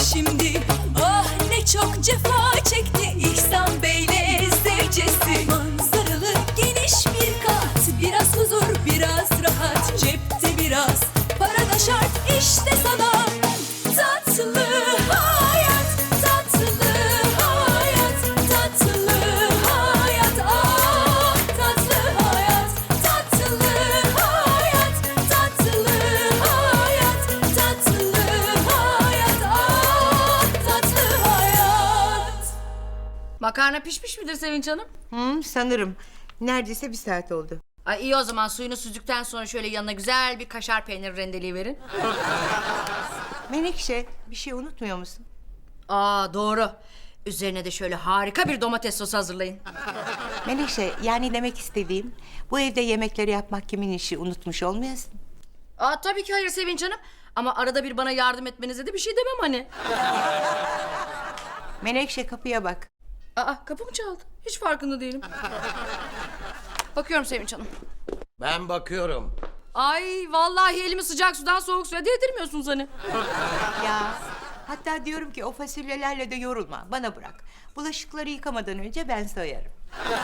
şimdi. Ah ne çok cefa çekti İhsan Bey'le zevcesi. Manzaralı geniş bir kat, biraz huzur biraz rahat, cepte biraz para da şart işte sana. Tatlı hayat, tatlı hayat, tatlı hayat, ah tatlı hayat, tatlı hayat, tatlı hayat, tatlı hayat, ah tatlı hayat. Makarna pişmiş midir Sevinç Hanım? Sanırım. Neredeyse bir saat oldu. Ay iyi o zaman suyunu süzdükten sonra şöyle yanına güzel bir kaşar peyniri rendeleyiverin. Menekşe, bir şey unutmuyor musun? Aa doğru. Üzerine de şöyle harika bir domates sosu hazırlayın. Menekşe, yani demek istediğim... ...bu evde yemekleri yapmak kimin işi, unutmuş olmayasın. Aa tabii ki hayır Sevinç Hanım. Ama arada bir bana yardım etmenize de bir şey demem hani. Menekşe, kapıya bak. Aa kapı mı çaldı? Hiç farkında değilim. Bakıyorum Sevinç Hanım. Ben bakıyorum. Ay vallahi elimi sıcak sudan soğuk suya değdirmiyorsunuz hani. Ya, hatta diyorum ki o fasulyelerle de yorulma, bana bırak. Bulaşıkları yıkamadan önce ben soyarım.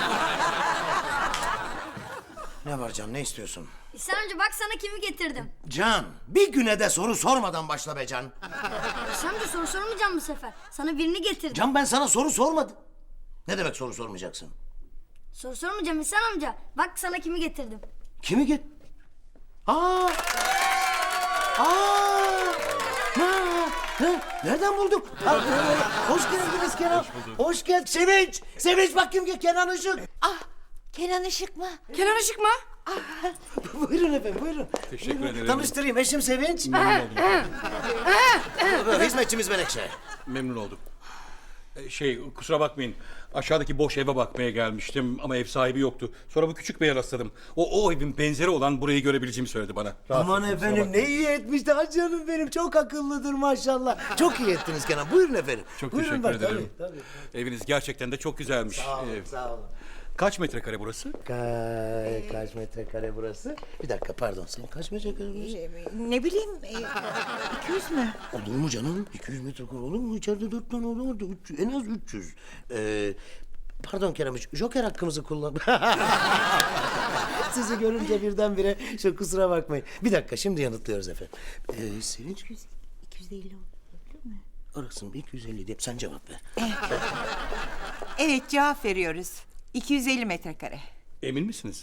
Ne var Can, ne istiyorsun? İhsan amca bak sana kimi getirdim. Can, bir güne de soru sormadan başla be Can. İhsan amca soru sormayacağım bu sefer. Sana birini getirdim. Can, ben sana soru sormadım. Ne demek soru sormayacaksın? Soru sormayacağım İhsan amca. Bak sana kimi getirdim. Kimi git? Aa! Aa! Nereden bulduk? Hoş geldiniz Kenan. Hoş geldin. Sevinç! Sevinç bak kim? Kenan Işık. Ah, Kenan Işık mı? Kenan Işık mı? Buyurun efendim, buyurun. Teşekkür ederim. Tanıştırayım, eşim Sevinç. Hizmetçimiz Menekşe. Memnun oldum. Kusura bakmayın. Aşağıdaki boş eve bakmaya gelmiştim ama ev sahibi yoktu. Sonra bu küçük beye rastladım. O evin benzeri olan burayı görebileceğimi söyledi bana. Aman Rahatsız, kusura efendim, ne bakmayın. iyi etmiş de canım benim. Çok akıllıdır maşallah. Çok iyi ettiniz Kenan. Buyurun efendim. Çok Buyurun teşekkür bak, ederim. Tabii. Eviniz gerçekten de çok güzelmiş. Sağ olun, sağ olun. Kaç metrekare burası? Kaç metrekare burası? Bir dakika pardon, senin kaç metrekare burası? Ne bileyim, 200 mü? Olur mu canım? 200 metrekare olur mu? İçeride 4 tane oda vardı. En az 300. Pardon Kerem, Joker hakkımızı kullan. Sizi görünce birdenbire kusura bakmayın. Bir dakika, şimdi yanıtlıyoruz efendim. Sevinç? 250 olabilir mi? Arasın 250 diye sen cevap ver. Evet, cevap veriyoruz. 250 metrekare. Emin misiniz?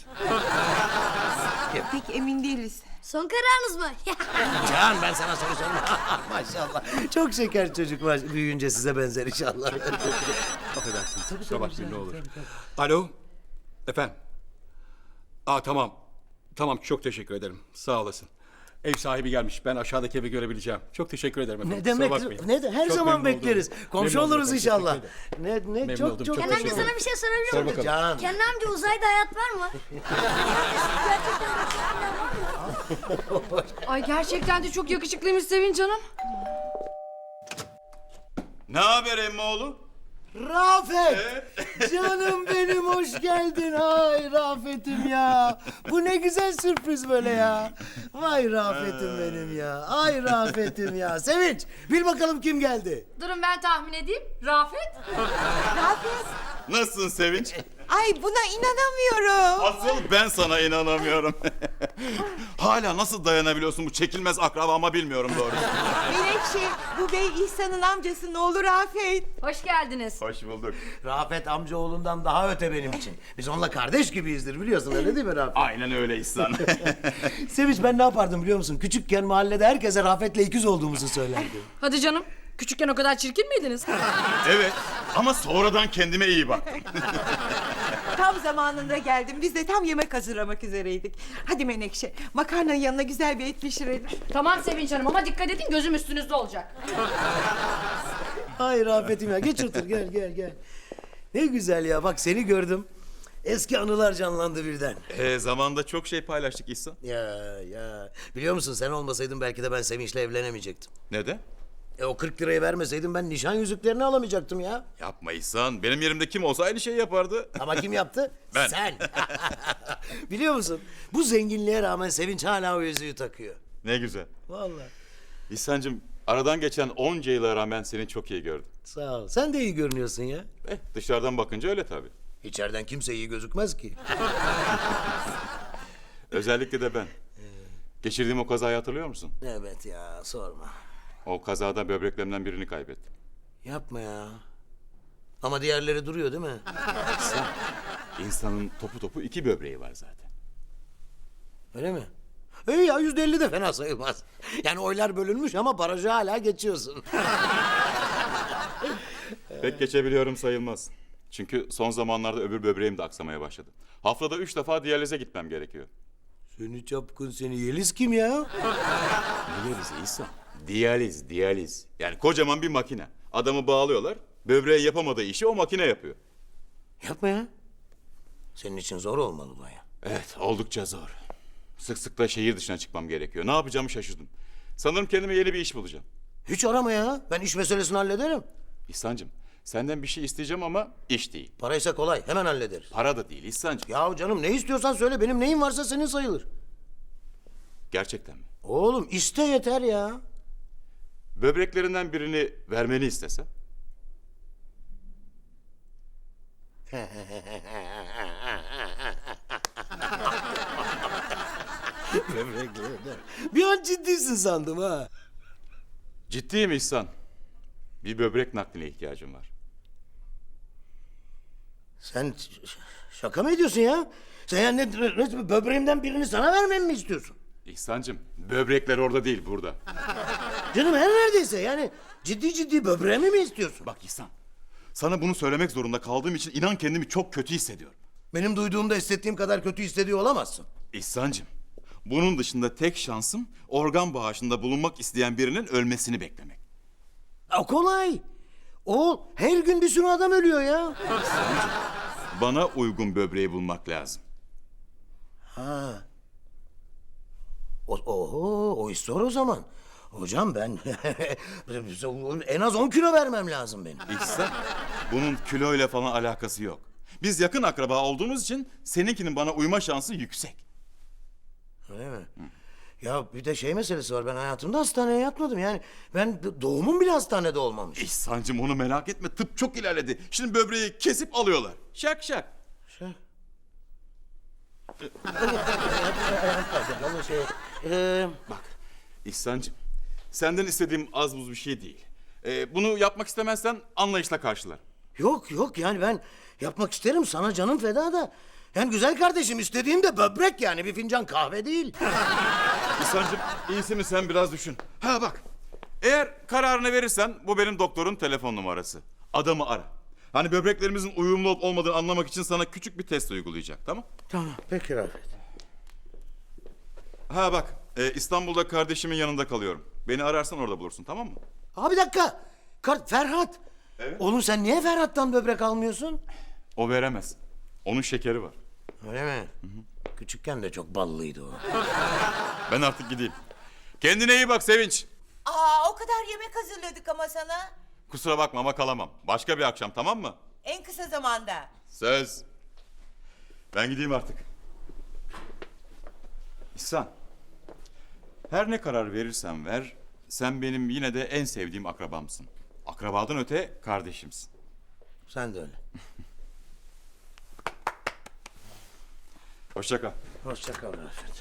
Pek emin değiliz. Son kararınız mı? Can, ben sana soru sorma. Maşallah. Çok şeker çocuk var. Büyüyünce size benzer inşallah. Affedersiniz. Kusura bakmayın ne olur. Alo. Efendim. Tamam. Tamam, çok teşekkür ederim. Sağ olasın. Ev sahibi gelmiş. Ben aşağıdaki evi görebilebileceğim. Çok teşekkür ederim efendim. Ne demek? Kusura bakmayın. Ne de her Çok zaman memnun bekleriz. oldum. Komşu Memnun oluruz oldum, inşallah. teşekkür ederim. Ne Memnun çok oldum, çok çok Kenan amca teşekkür sana bir şey sorabilir Sor miyim? bakalım. Can. Kenan amca uzayda hayat var mı? Ay gerçekten de çok yakışıklıymış Sevinç Hanım. Ne haber emmoğlu? Rafet! Canım benim, hoş geldin. Ay Rafet'im ya. Bu ne güzel sürpriz böyle ya. Vay Rafet'im benim ya. Ay Rafet'im ya. Sevinç, bil bakalım kim geldi. Durun ben tahmin edeyim. Rafet. Nasılsın Sevinç? Ay, buna inanamıyorum. Asıl ben sana inanamıyorum. Hala nasıl dayanabiliyorsun bu çekilmez akrabama bilmiyorum doğrusu. Menekşe, bu bey İhsan'ın amcası, ne olur Afet. Hoş geldiniz. Hoş bulduk. Rafet amcaoğlundan daha öte benim için. Biz onunla kardeş gibiyizdir, biliyorsun öyle değil mi Rafet? Aynen öyle İhsan. Sevinç, ben ne yapardım biliyor musun? Küçükken mahallede herkese Rafet'le ikiz olduğumuzu söylerdim. Hadi canım. Küçükken o kadar çirkin miydiniz? Evet ama sonradan kendime iyi baktım. Tam zamanında geldim. Biz de tam yemek hazırlamak üzereydik. Hadi Menekşe, makarnanın yanına güzel bir et pişirelim. Tamam Sevinç Hanım ama dikkat edin gözüm üstünüzde olacak. Ay Rafet'im ya, geç otur, gel. Ne güzel ya, bak seni gördüm. Eski anılar canlandı birden. Zamanında çok şey paylaştık İhsan. Ya. Biliyor musun, sen olmasaydın belki de ben Sevinç'le evlenemeyecektim. Neden? O 40 lirayı vermeseydin ben nişan yüzüklerini alamayacaktım ya. Yapma İhsan. Benim yerimde kim olsa aynı şeyi yapardı. Ama kim yaptı? Ben. Sen. Biliyor musun, bu zenginliğe rağmen Sevinç hala o yüzüğü takıyor. Ne güzel. Vallahi. İhsan'cığım Aradan geçen onca yıla rağmen seni çok iyi gördüm. Sağ ol. Sen de iyi görünüyorsun ya. Dışarıdan bakınca öyle tabii. İçeriden kimse iyi gözükmez ki. Özellikle de ben. Geçirdiğim o kazayı hatırlıyor musun? Evet ya, sorma. O kazada böbreklerimden birini kaybettim. Yapma ya. Ama diğerleri duruyor değil mi? İnsanın topu topu 2 böbreği var zaten. Öyle mi? İyi ya, %50 de fena sayılmaz. Yani oylar bölünmüş ama barajı hala geçiyorsun. Pek geçebiliyorum sayılmaz. Çünkü son zamanlarda öbür böbreğim de aksamaya başladı. Haftada 3 defa diyalize gitmem gerekiyor. Seni çapkın seni. Yeliz kim ya? Diyaliz İhsan. Diyaliz. Yani kocaman bir makine. Adamı bağlıyorlar. Böbreğe yapamadığı işi o makine yapıyor. Yapma ya. Senin için zor olmalı bu ya. Evet, oldukça zor. Sık sık da şehir dışına çıkmam gerekiyor. Ne yapacağımı şaşırdım. Sanırım kendime yeni bir iş bulacağım. Hiç arama ya. Ben iş meselesini hallederim. İhsan'cığım, senden bir şey isteyeceğim ama iş değil. Paraysa kolay. Hemen hallederiz. Para da değil İhsan'cığım. Ya canım, ne istiyorsan söyle. Benim neyim varsa senin sayılır. Gerçekten mi? Oğlum iste yeter ya. Böbreklerinden birini vermeni istesem? Bir an ciddisin sandım ha. Ciddiyim İhsan. Bir böbrek nakline ihtiyacım var. Sen şaka mı ediyorsun ya? Sen yani böbreğimden birini sana vermemi mi istiyorsun? İhsan'cığım, böbrekler orada değil, burada. Canım her neredeyse yani ciddi böbreğimi mi istiyorsun? Bak İhsan, sana bunu söylemek zorunda kaldığım için inan kendimi çok kötü hissediyorum. Benim duyduğumda hissettiğim kadar kötü hissediyor olamazsın. İhsan'cığım, bunun dışında tek şansım organ bağışında bulunmak isteyen birinin ölmesini beklemek. O kolay. O her gün bir sürü adam ölüyor ya. Bana uygun böbreği bulmak lazım. Ha. O iş zor o zaman. Hocam ben en az 10 kilo vermem lazım benim. İhsan, bunun kiloyla falan alakası yok. Biz yakın akraba olduğumuz için seninkinin bana uyma şansı yüksek. Öyle mi? Ya bir de şey meselesi var. Ben hayatımda hastaneye yatmadım. Yani ben doğumum bile hastanede olmamış. İhsan'cığım onu merak etme. Tıp çok ilerledi. Şimdi böbreği kesip alıyorlar. Şak şak. Şey. Bak İhsan'cığım, senden istediğim az buz bir şey değil. Bunu yapmak istemezsen anlayışla karşılar. Yok yani ben yapmak isterim, sana canım feda da. Yani güzel kardeşim, istediğim de böbrek, yani bir fincan kahve değil. İhsan'cığım iyisi mi sen biraz düşün. Ha bak, eğer kararını verirsen bu benim doktorun telefon numarası. Adamı ara. Hani böbreklerimizin uyumlu olup olmadığını anlamak için sana küçük bir test uygulayacak, tamam? Tamam peki Rafet. Ha bak, İstanbul'da kardeşimin yanında kalıyorum. Beni ararsan orada bulursun, tamam mı? Abi bir dakika. Ferhat. Evet. Oğlum sen niye Ferhat'tan böbrek almıyorsun? O veremez. Onun şekeri var. Öyle mi? Küçükken de çok ballıydı o. Ben artık gideyim. Kendine iyi bak Sevinç. Aa, o kadar yemek hazırladık ama sana. Kusura bakma ama kalamam. Başka bir akşam, tamam mı? En kısa zamanda. Söz. Ben gideyim artık. İhsan. Her ne karar verirsen ver, sen benim yine de en sevdiğim akrabamsın. Akrabadan öte kardeşimsin. Sen de öyle. Hoşça kal. Hoşça kal Rafet.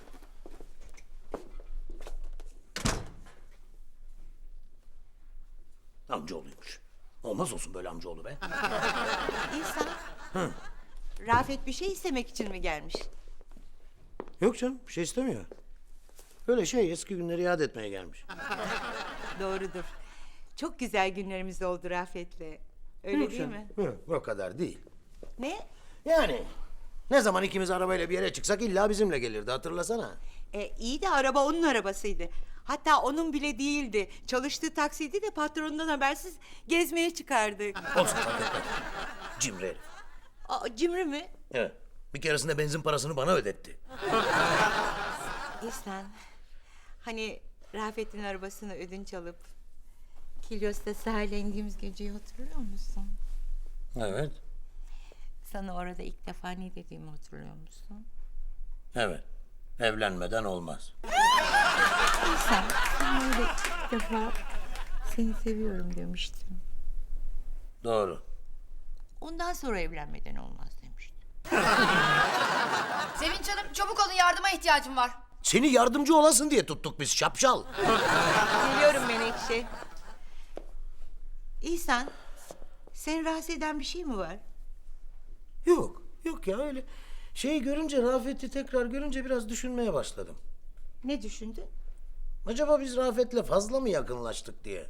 Amcaoğluymuş. Olmaz olsun böyle amcaoğlu be. İhsan. Rafet bir şey istemek için mi gelmiş? Yok canım, bir şey istemiyor. Öyle şey, eski günleri yad etmeye gelmiş. Doğrudur. Çok güzel günlerimiz oldu Rafet'le. Öyle değil mi? Yok, o kadar değil. Ne? Yani ne zaman ikimiz arabayla bir yere çıksak illa bizimle gelirdi, hatırlasana. İyi de araba onun arabasıydı. Hatta onun bile değildi. Çalıştığı taksiydi de patronundan habersiz gezmeye çıkardık. Olsun, fark etmez. Cimri herif. Aa, cimri mi? Evet. Bir keresinde benzin parasını bana ödetti. İhsan, hani Rafet'in arabasını ödünç alıp Kilyos'ta sahile indiğimiz geceyi hatırlıyor musun? Evet. Sana orada ilk defa ne dediğimi hatırlıyor musun? Evet. Evlenmeden olmaz. İhsan, sana öyle ilk defa seni seviyorum demiştim. Doğru. Ondan sonra evlenmeden olmaz demiştim. Sevinç Hanım çabuk olun, yardıma ihtiyacım var. Seni yardımcı olasın diye tuttuk biz şapşal. Geliyorum Menekşe. İhsan, seni rahatsız eden bir şey mi var? Yok, yok ya öyle. Şeyi görünce, Rafet'i tekrar görünce biraz düşünmeye başladım. Ne düşündün? Acaba biz Rafet'le fazla mı yakınlaştık diye.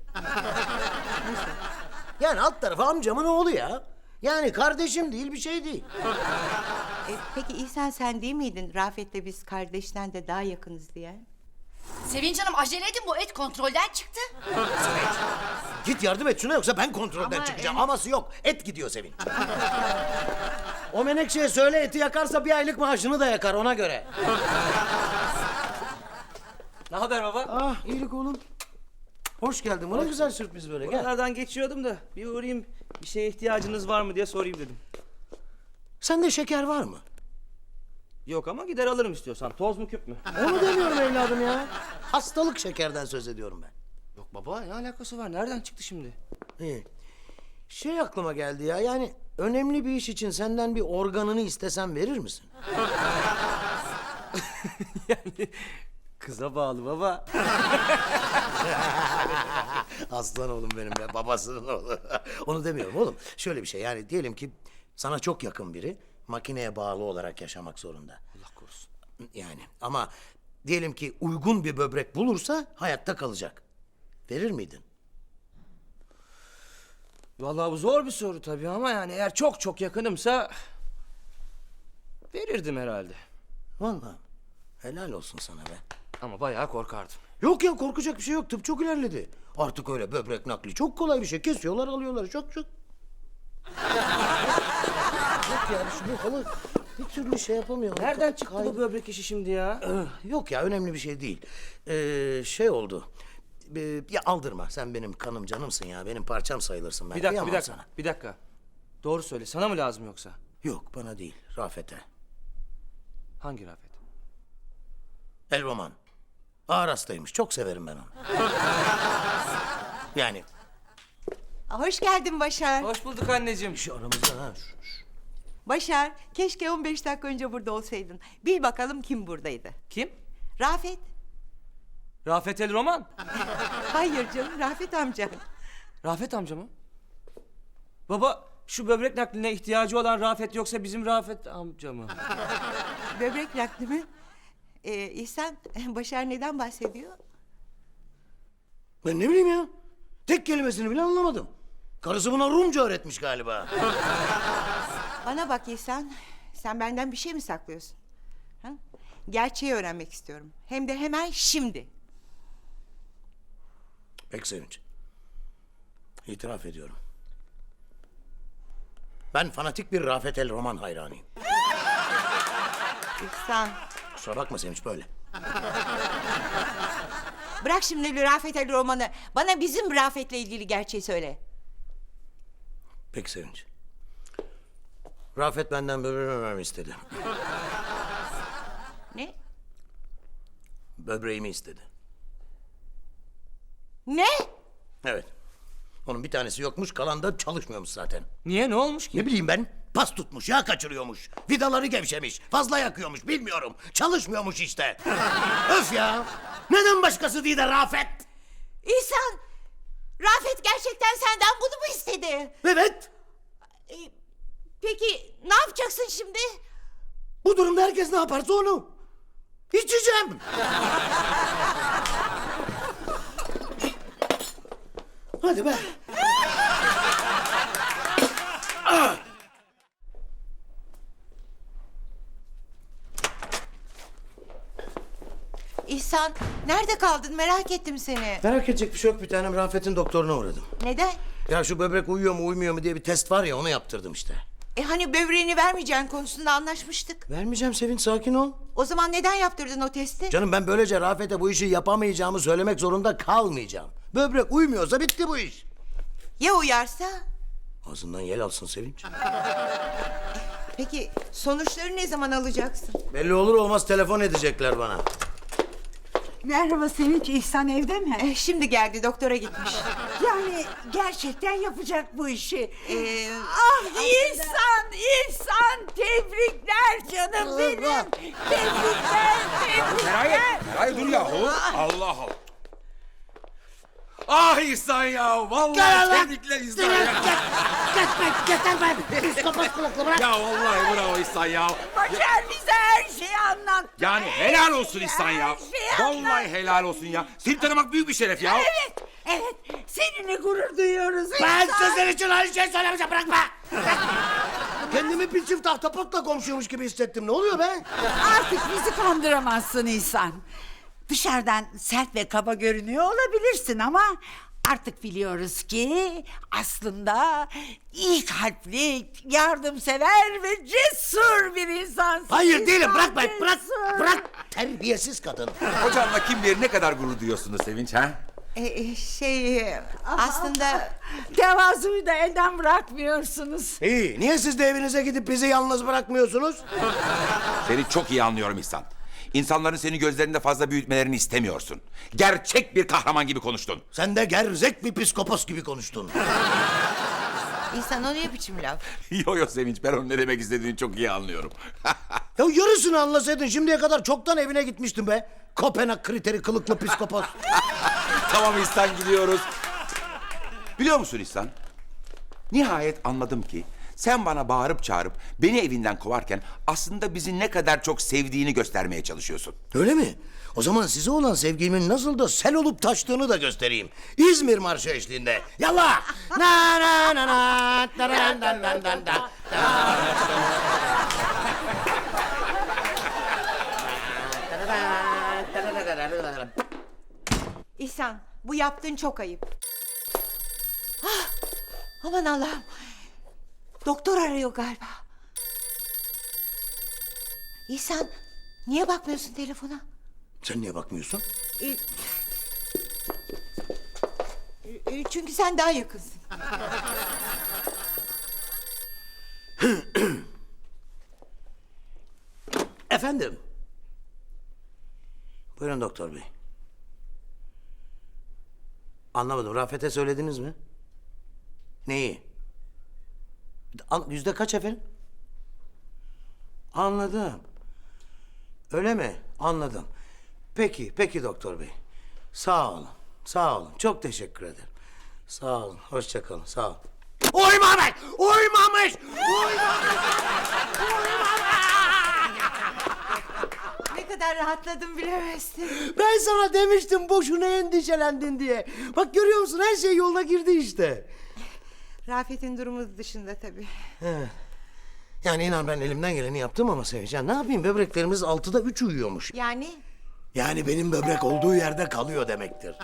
Yani alt tarafı amcamın oğlu ya. Yani kardeşim değil, bir şey değil. Peki İhsan, sen değil miydin Rafet'le biz kardeşten de daha yakınız diye? Sevinç Hanım acele edin, bu et kontrolden çıktı. Git yardım et şuna, yoksa ben kontrolden Ama çıkacağım. Aması yok, et gidiyor Sevinç. O Menekşe'ye söyle, eti yakarsa 1 aylık maaşını da yakar, ona göre. Ne haber baba? Ah, iyilik oğlum. Hoş geldin. Bu ne güzel sürpriz böyle. Gel. Buralardan geçiyordum da bir uğrayayım, bir şeye ihtiyacınız var mı diye sorayım dedim. Sende şeker var mı? Yok ama gider alırım istiyorsan. Toz mu küp mü? Onu demiyorum evladım ya. Hastalık şekerden söz ediyorum ben. Yok baba, ne alakası var? Nereden çıktı şimdi? İyi. Şey aklıma geldi ya, yani önemli bir iş için senden bir organını istesem verir misin? Yani kıza bağlı baba. Aslan oğlum benim ya, babasının oğlu. Onu demiyorum oğlum. Şöyle bir şey, yani diyelim ki sana çok yakın biri makineye bağlı olarak yaşamak zorunda. Allah korusun. Yani ama diyelim ki uygun bir böbrek bulursa hayatta kalacak. Verir miydin? Vallahi bu zor bir soru tabii ama yani eğer çok çok yakınımsa verirdim herhalde. Vallahi helal olsun sana be. Ama bayağı korkardım. Yok ya, korkacak bir şey yok. Tıp çok ilerledi. Artık öyle böbrek nakli çok kolay bir şey. Kesiyorlar, alıyorlar. Çok. Yok ya, şu halı bir türlü şey yapamıyor. Nereden çıktı bu böbrek işi şimdi ya? Yok ya, önemli bir şey değil. Şey oldu. Ya aldırma. Sen benim kanım canımsın ya. Benim parçam sayılırsın. Ben Bir dakika, kıyamam bir dakika, sana. bir dakika. Doğru söyle, sana mı lazım yoksa? Yok, bana değil. Rafet'e. Hangi Rafet? El Roman. Ağır hastaymış. Çok severim ben onu. Yani Hoş geldin Başar. Hoş bulduk anneciğim. şu aramızda ha. Başar, keşke 15 dakika önce burada olsaydın. Bil bakalım kim buradaydı? Kim? Rafet. Rafet El Roman. Hayır canım, Rafet amca. Rafet amca mı? Baba, şu böbrek nakline ihtiyacı olan Rafet yoksa bizim Rafet amca mı? Böbrek nakli mi? İhsan, Başar neden bahsediyor? Ben ne bileyim ya. Tek kelimesini bile anlamadım. Karısı buna Rumca öğretmiş galiba. Bana bak İhsan, sen benden bir şey mi saklıyorsun? Ha? Gerçeği öğrenmek istiyorum. Hem de hemen şimdi. Pek Sevinç. İtiraf ediyorum. Ben fanatik bir Rafet El Roman hayranıyım. İhsan, Kusura bakma Sevinç, böyle. bırak şimdi Rafet Ali romanı. Bana bizim Rafet'le ilgili gerçeği söyle. Pek Sevinç. Rafet benden böbreğimi istedi. Ne? Böbreğimi istedi. Ne? Evet. Onun bir tanesi yokmuş, kalan da çalışmıyormuş zaten. Niye, ne olmuş ki? Ne bileyim ben, pas tutmuş, yağ kaçırıyormuş. Vidaları gevşemiş, fazla yakıyormuş, bilmiyorum. Çalışmıyormuş işte. Öf ya! Neden başkası değil de Rafet? İhsan, Rafet gerçekten senden bunu mu istedi? Evet. Peki ne yapacaksın şimdi? Bu durumda herkes ne yaparsa onu. İçeceğim. Hadi be. İhsan, nerede kaldın? Merak ettim seni. Merak edecek bir şey yok, bir tanem. Rafet'in doktoruna uğradım. Neden? Ya şu böbrek uyuyor mu uyumuyor mu diye bir test var ya, onu yaptırdım işte. Hani böbreğini vermeyeceğin konusunda anlaşmıştık. Vermeyeceğim Sevinç, sakin ol. O zaman neden yaptırdın o testi? Canım, ben böylece Rafet'e bu işi yapamayacağımı söylemek zorunda kalmayacağım. Böbrek uymuyorsa bitti bu iş. Ya uyarsa? Ağzından yel alsın Sevinç. Peki sonuçları ne zaman alacaksın? Belli olur olmaz telefon edecekler bana. Merhaba Sevinç, İhsan evde mi? Şimdi geldi, doktora gitmiş. Yani gerçekten yapacak bu işi. İhsan, İhsan tebrikler canım benim. Tebrikler. Hayır dur yahu. Allah Allah. Ah İhsan ya. Vallahi Gel lan. tebrikler İhsan ya. Getirme. Psikopat kulaklı bırak. Ya vallahi bravo İhsan ya. Başar bize her şeyi anlat. Yani helal olsun İhsan ya. Her şeyi Vallahi helal olsun ya. Seni tanımak büyük bir şeref ya. Evet, seninle gurur duyuyoruz. Ben İhsan. sizin için aynı şey söylemeyeceğim, bırakma. Kendimi bir çift ahtapotla komşuymuş gibi hissettim. Ne oluyor be? Artık bizi kandıramazsın İhsan. Dışarıdan sert ve kaba görünüyor olabilirsin ama artık biliyoruz ki aslında iyi kalpli, yardımsever ve cesur bir insansın. Hayır değilim, İhsan, bırak be, bırak. cesur. Bırak. Terbiyesiz kadın. Hocamla kim bilir ne kadar gurur duyuyorsunuz Sevinç ha? Aslında Tevazuyu da elden bırakmıyorsunuz. İyi, niye siz de evinize gidip bizi yalnız bırakmıyorsunuz? Seni çok iyi anlıyorum İhsan. İnsanların seni gözlerinde fazla büyütmelerini istemiyorsun. Gerçek bir kahraman gibi konuştun. Sen de gerzek bir psikopos gibi konuştun. İhsan o ne biçim laf? Yo Sevinç, ben onun ne demek istediğini çok iyi anlıyorum. Ya yarısını anlasaydın şimdiye kadar çoktan evine gitmiştin be. Kopenhag kriteri kılıklı psikopos. Tamam İhsan, gidiyoruz. Biliyor musun İhsan? Nihayet anladım ki sen bana bağırıp çağırıp beni evinden kovarken aslında bizi ne kadar çok sevdiğini göstermeye çalışıyorsun. Öyle mi? O zaman size olan sevgimin nasıl da sel olup taştığını da göstereyim. İzmir Marşı eşliğinde. Yallah! Na na na na na na na na na na. İhsan, bu yaptığın çok ayıp. Ah, aman Allah'ım. Doktor arıyor galiba. İhsan, niye bakmıyorsun telefona? Sen niye bakmıyorsun? Çünkü sen daha yakınsın. Efendim? Buyurun doktor bey. Anlamadım. Rafet'e söylediniz mi? Neyi? Yüzde kaç efendim? Anladım. Öyle mi? Anladım. Peki, peki doktor bey. Sağ olun, sağ olun. Çok teşekkür ederim. Sağ olun, hoşça kalın, sağ olun. Uymamış! Uymamış! Ne kadar rahatladım bilemezsin. Ben sana demiştim boşuna endişelendin diye. Bak görüyor musun, her şey yoluna girdi işte. Rafet'in durumu dışında tabii. Yani inan ben elimden geleni yaptım ama Sevinç, ya ne yapayım, böbreklerimiz 6'da 3 uyuyormuş. Yani Yani benim böbrek olduğu yerde kalıyor demektir.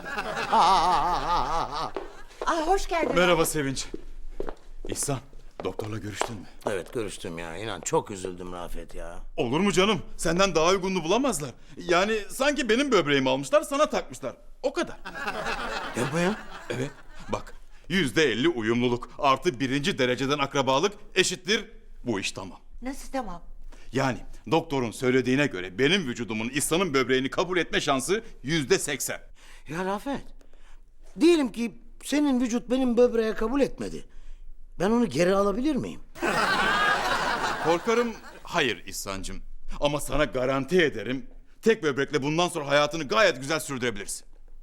hoş geldin. Merhaba Sevinç. İhsan, doktorla görüştün mü? Evet görüştüm ya, inan çok üzüldüm Rafet ya. Olur mu canım? Senden daha uygununu bulamazlar. Yani sanki benim böbreğimi almışlar, sana takmışlar. O kadar. Yapma ya. Evet, bak. %50 uyumluluk artı 1. dereceden akrabalık eşittir bu iş tamam. Nasıl tamam? Yani doktorun söylediğine göre benim vücudumun İhsan'ın böbreğini kabul etme şansı %80. Ya Rafet, diyelim ki senin vücut benim böbreğe kabul etmedi. Ben onu geri alabilir miyim? Korkarım hayır İhsan'cığım. Ama sana garanti ederim tek böbrekle bundan sonra hayatını gayet güzel sürdürebilirsin.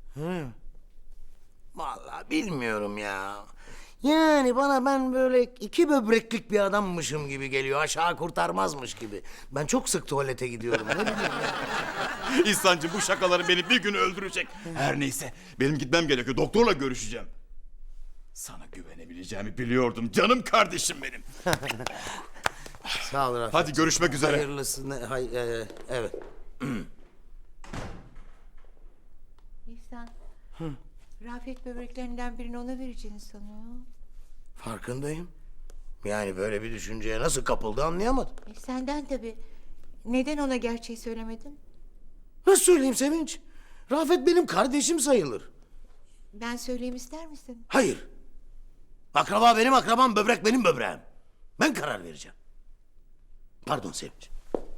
Vallahi bilmiyorum ya. Yani bana ben böyle 2 böbreklik bir adammışım gibi geliyor. Aşağı kurtarmazmış gibi. Ben çok sık tuvalete gidiyorum. Ne bileyim ya. İhsan'cığım bu şakaları beni bir gün öldürecek. Her neyse benim gitmem gerekiyor. Doktorla görüşeceğim. Sana güvenebileceğimi biliyordum canım kardeşim benim. Sağ ol Rafet. Hadi görüşmek üzere. Hayırlısı. Evet. İhsan. Rafet böbreklerinden birini ona vereceğini sanıyor. Farkındayım. Yani böyle bir düşünceye nasıl kapıldı anlayamadım. Senden tabii. Neden ona gerçeği söylemedin? Nasıl söyleyeyim Sevinç? Rafet benim kardeşim sayılır. Ben söyleyeyim ister misin? Hayır. Akraba benim akrabam, böbrek benim böbreğim. Ben karar vereceğim. Pardon Sevinç.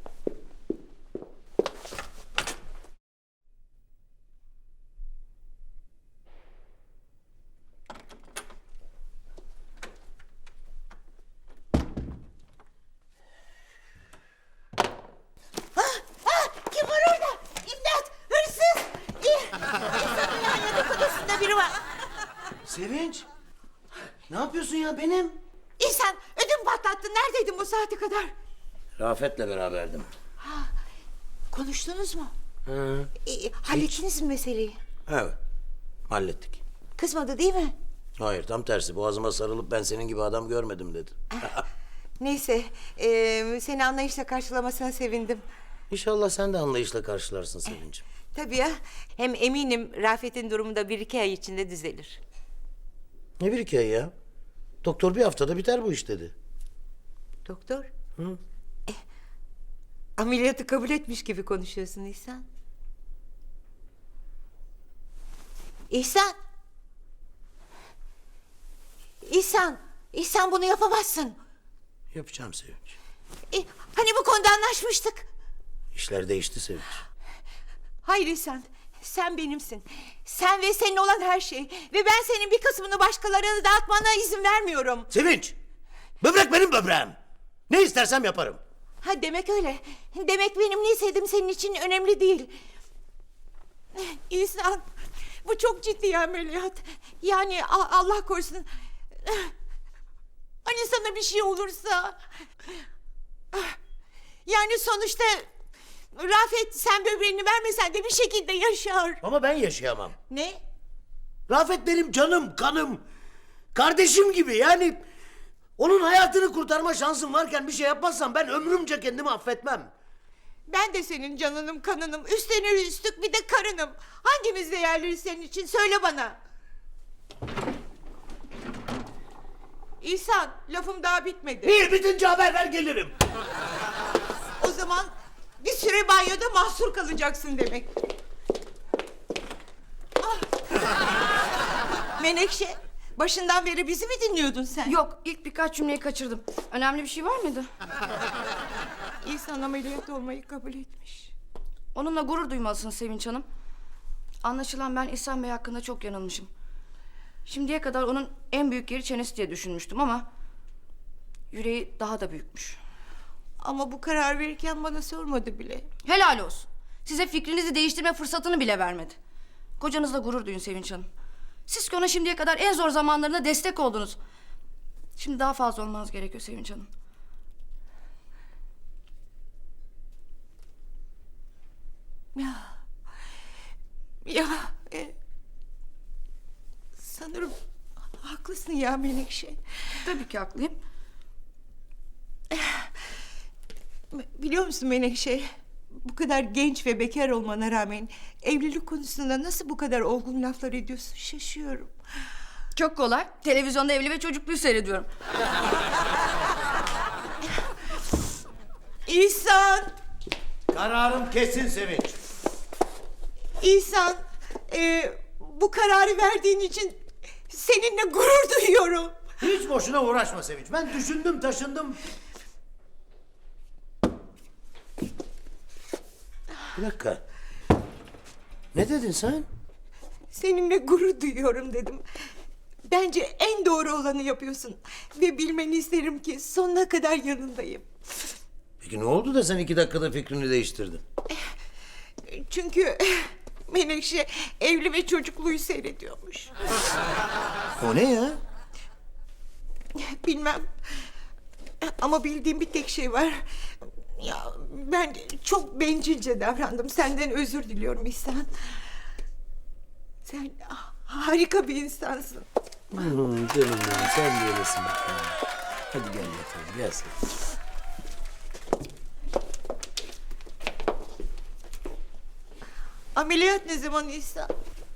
Kim var orada? İmdat! Hırsız! İnsanın yatak odasında biri var. Sevinç. Ne yapıyorsun ya benim? İhsan ödüm patlattın. Neredeydin bu saate kadar? Rafet'le beraberdim. Konuştunuz mu? Hı. Hallettiniz mi meseleyi? Evet. Hallettik. Kızmadı değil mi? Hayır tam tersi. Boğazıma sarılıp ben senin gibi adam görmedim dedi. Neyse, seni anlayışla karşılamasına sevindim. İnşallah sen de anlayışla karşılarsın Sevinç'im. Tabii ya, hem eminim Rafet'in durumu da 1-2 ay içinde düzelir. Ne bir hikaye ya? Doktor bir haftada biter bu iş dedi. Doktor? Hı? Ameliyatı kabul etmiş gibi konuşuyorsun İhsan. İhsan! İhsan! İhsan bunu yapamazsın. Yapacağım Sevinç. Hani bu konuda anlaşmıştık? İşler değişti Sevinç. Hayır İhsan, sen benimsin. Sen ve senin olan her şey. Ve ben senin bir kısmını başkalarına dağıtmana izin vermiyorum. Sevinç! Böbrek benim böbreğim. Ne istersem yaparım. Ha demek öyle. Demek benim ne istediğim senin için önemli değil. İhsan, bu çok ciddi ameliyat. Yani Allah korusun. Hani sana bir şey olursa. Yani sonuçta Rafet sen böbreğini vermesen de bir şekilde yaşar. Ama ben yaşayamam. Ne? Rafet benim canım, kanım. Kardeşim gibi yani. Onun hayatını kurtarma şansım varken bir şey yapmazsam ben ömrümce kendimi affetmem. Ben de senin canınım, kanınım. Üstüne üstlük bir de karınım. Hangimiz değerli senin için? Söyle bana. İhsan, lafım daha bitmedi. İyi bitince haber ver gelirim. O zaman bir süre banyoda mahsur kalacaksın demek. Ah. Menekşe, başından beri bizi mi dinliyordun sen? Yok, ilk birkaç cümleyi kaçırdım. Önemli bir şey var mıydı? İhsan ameliyat olmayı kabul etmiş. Onunla gurur duymalısın Sevinç Hanım. Anlaşılan ben İhsan Bey hakkında çok yanılmışım. Şimdiye kadar onun en büyük yeri çenesi diye düşünmüştüm ama yüreği daha da büyükmüş. Ama bu karar verirken bana sormadı bile. Helal olsun. Size fikrinizi değiştirme fırsatını bile vermedi. Kocanızla gurur duyun Sevinç Hanım. Siz ki ona şimdiye kadar en zor zamanlarında destek oldunuz. Şimdi daha fazla olmanız gerekiyor Sevinç Hanım. Ya sanırım haklısın ya Menekşe. Tabii ki haklıyım. Biliyor musun Menekşe? Bu kadar genç ve bekar olmana rağmen evlilik konusunda nasıl bu kadar olgun laflar ediyorsun şaşıyorum. Çok kolay. Televizyonda evli ve çocukluyu seyrediyorum. İhsan! Kararım kesin Sevinç. İhsan! Bu kararı verdiğin için seninle gurur duyuyorum. Hiç boşuna uğraşma Sevinç. Ben düşündüm taşındım. Bir dakika. Ne dedin sen? Seninle gurur duyuyorum dedim. Bence en doğru olanı yapıyorsun. Ve bilmeni isterim ki sonuna kadar yanındayım. Peki ne oldu da sen 2 dakikada fikrini değiştirdin? Çünkü Menekşe evli ve çocukluyu seyrediyormuş. O ne ya? Bilmem. Ama bildiğim bir tek şey var. Ya ben çok bencilce davrandım. Senden özür diliyorum İhsan. Sen harika bir insansın. Canım benim sen de öylesin bakalım. Hadi gel yatalım gel sen. Ameliyat ne zaman İhsan?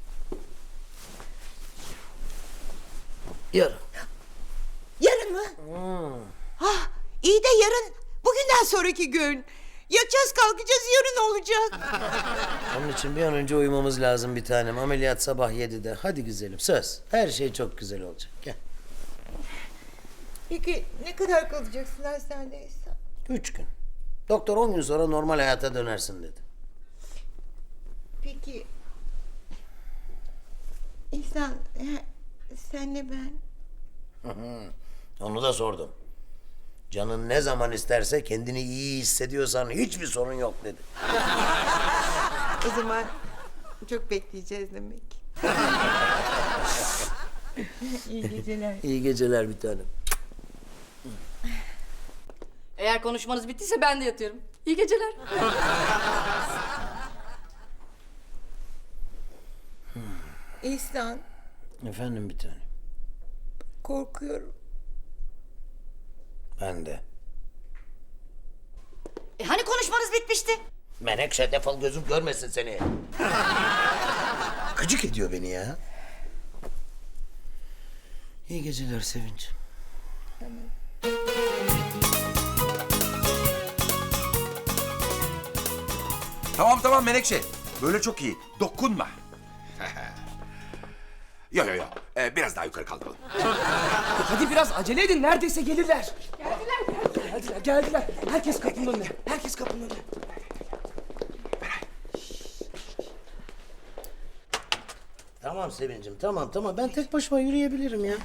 Yarın. Yarın mı? Ah, iyi de yarın. Bugünden sonraki gün. Yatacağız kalkacağız yarın olacak. Onun için bir an önce uyumamız lazım bir tanem. Ameliyat sabah 7'de. Hadi güzelim söz. Her şey çok güzel olacak. Gel. Peki ne kadar kalacaksın hastanede İhsan? 3 gün. Doktor 10 gün sonra normal hayata dönersin dedi. Peki İhsan, senle ben... Onu da sordum. Canın ne zaman isterse kendini iyi hissediyorsan hiçbir sorun yok dedi. O zaman çok bekleyeceğiz demek. İyi geceler. İyi geceler bir tanem. Eğer konuşmanız bittiyse ben de yatıyorum. İyi geceler. İhsan, Efendim bir tanem. korkuyorum. Ben de. Hani konuşmanız bitmişti? Menekşe defol gözüm görmesin seni. Gıcık ediyor beni ya. İyi geceler Sevinç. Tamam Menekşe. Böyle çok iyi. Dokunma. Yo. Biraz daha yukarı kaldıralım. Hadi biraz acele edin. Neredeyse gelirler. Geldiler. Herkes kapının önüne. Tamam Sevincim tamam. Ben tek başıma yürüyebilirim ya.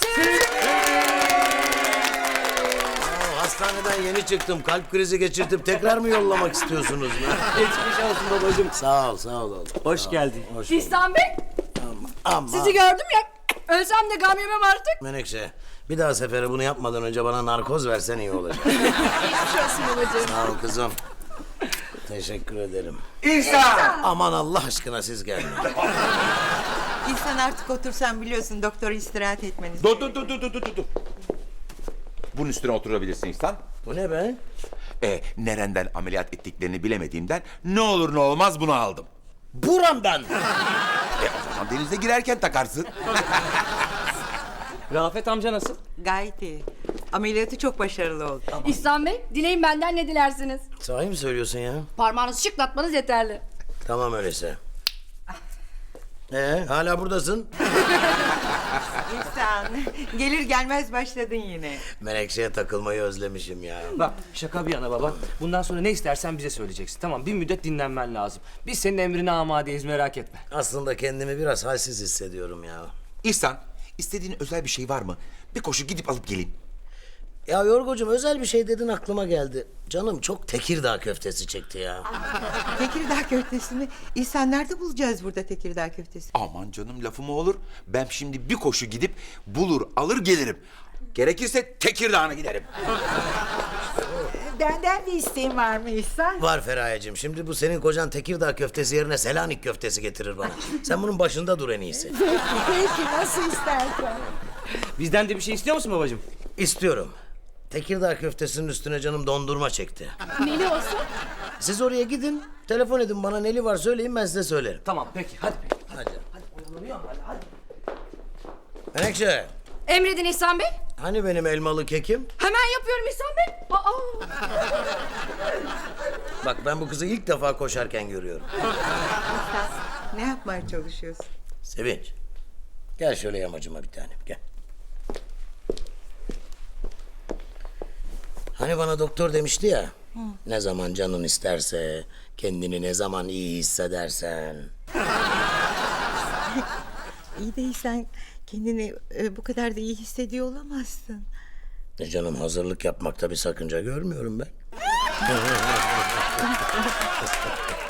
Hastaneden yeni çıktım. Kalp krizi geçirtip tekrar mı yollamak istiyorsunuz? Geçmiş olsun babacığım. Sağ ol oğlum. Hoş geldin. Hoş bulduk. İhsan Bey, Ama sizi gördüm ya. Ölsem de gam yemem artık. Menekşe bir daha sefere bunu yapmadan önce bana narkoz versen iyi olacak. Geçmiş olsun babacığım. Sağ ol kızım. Teşekkür ederim. İhsan! Aman Allah aşkına siz gelin. İhsan, artık otursan, biliyorsun doktor istirahat etmeniz. Dur. Bunun üstüne oturabilirsin İhsan. Bu ne be? Nereden ameliyat ettiklerini bilemediğimden ne olur ne olmaz bunu aldım. Buramdan. O zaman denize girerken takarsın. Rafet amca nasıl? Gayet iyi. Ameliyatı çok başarılı oldu. İhsan Bey, dileyin benden ne dilersiniz? Sahi mi söylüyorsun ya? Parmağınızı şıklatmanız yeterli. Tamam öyleyse. Hala buradasın. İhsan, gelir gelmez başladın yine. Menekşe'ye takılmayı özlemişim ya. Bak şaka bir yana baba. Bundan sonra ne istersen bize söyleyeceksin. Tamam, bir müddet dinlenmen lazım. Biz senin emrine amadeyiz, merak etme. Aslında kendimi biraz halsiz hissediyorum ya. İhsan, istediğin özel bir şey var mı? Bir koşu gidip alıp geleyim. Ya Yorgocuğum özel bir şey dedin aklıma geldi. Canım çok Tekirdağ köftesi çekti ya. Tekirdağ köftesini İhsan, nerede bulacağız burada Tekirdağ köftesi? Aman canım lafı mı olur? Ben şimdi bir koşu gidip bulur alır gelirim. Gerekirse Tekirdağ'a giderim. Benden bir isteğin var mı İhsan? Var Feraye'cim. Şimdi bu senin kocan Tekirdağ köftesi yerine Selanik köftesi getirir bana. Sen bunun başında dur en iyisi. Peki nasıl istersen. Bizden de bir şey istiyor musun babacığım? İstiyorum. Tekirdağ köftesinin üstüne canım dondurma çekti. Neli olsun? Siz oraya gidin, telefon edin bana neli var söyleyin ben size söylerim. Tamam peki, hadi. Hadi. Menekşe, Emredin İhsan Bey. hani benim elmalı kekim? Hemen yapıyorum İhsan Bey. Bak ben bu kızı ilk defa koşarken görüyorum. Ne yapmaya çalışıyorsun? Sevinç, gel şöyle yamacıma bir tanem, gel. Hani bana doktor demişti ya, ne zaman canın isterse, kendini ne zaman iyi hissedersen. İyi de İhsan, kendini bu kadar da iyi hissediyor olamazsın. Canım hazırlık yapmakta bir sakınca görmüyorum ben.